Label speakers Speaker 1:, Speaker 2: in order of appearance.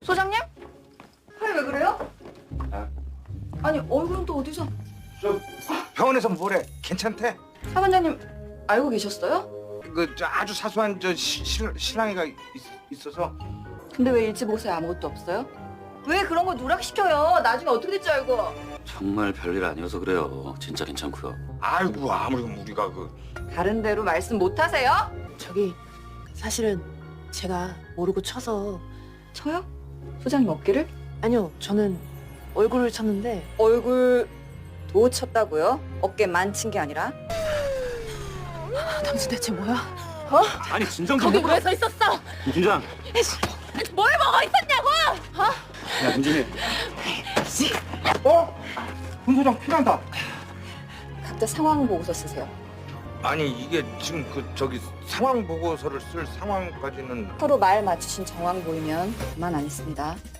Speaker 1: 소장님? 팔 왜 그래요?
Speaker 2: 아.
Speaker 1: 아니 얼굴은 또 어디서?
Speaker 2: 저 병원에서 뭐래? 괜찮대?
Speaker 1: 사반장님 알고 계셨어요?
Speaker 2: 저 아주 사소한 실랑이가 있어서.
Speaker 1: 근데 왜 일찍 오세요? 아무것도 없어요? 왜 그런 거 누락시켜요? 나중에 어떻게 될지 알고.
Speaker 3: 정말 별일 아니어서 그래요. 진짜 괜찮고요.
Speaker 2: 아이고 아무리 우리가
Speaker 1: 다른 데로 말씀 못 하세요?
Speaker 4: 저기 사실은 제가 모르고 쳐서.
Speaker 1: 쳐요? 소장님 어깨를?
Speaker 4: 아니요, 저는 얼굴을 쳤는데.
Speaker 1: 얼굴 도 쳤다고요? 어깨만 친 게 아니라?
Speaker 4: 당신 대체 뭐야?
Speaker 3: 아니 진정 좀
Speaker 4: 거기 왜 서 있었어?
Speaker 3: 김 팀장.
Speaker 4: 뭘 먹어 있었냐고?
Speaker 3: 야 김진희.
Speaker 2: 훈 소장 필요하다.
Speaker 1: 각자 상황 보고서 쓰세요.
Speaker 2: 아니 이게 지금 상황 보고서를 쓸 상황까지는.
Speaker 1: 서로 말 맞추신 정황 보이면 그만 안 있습니다.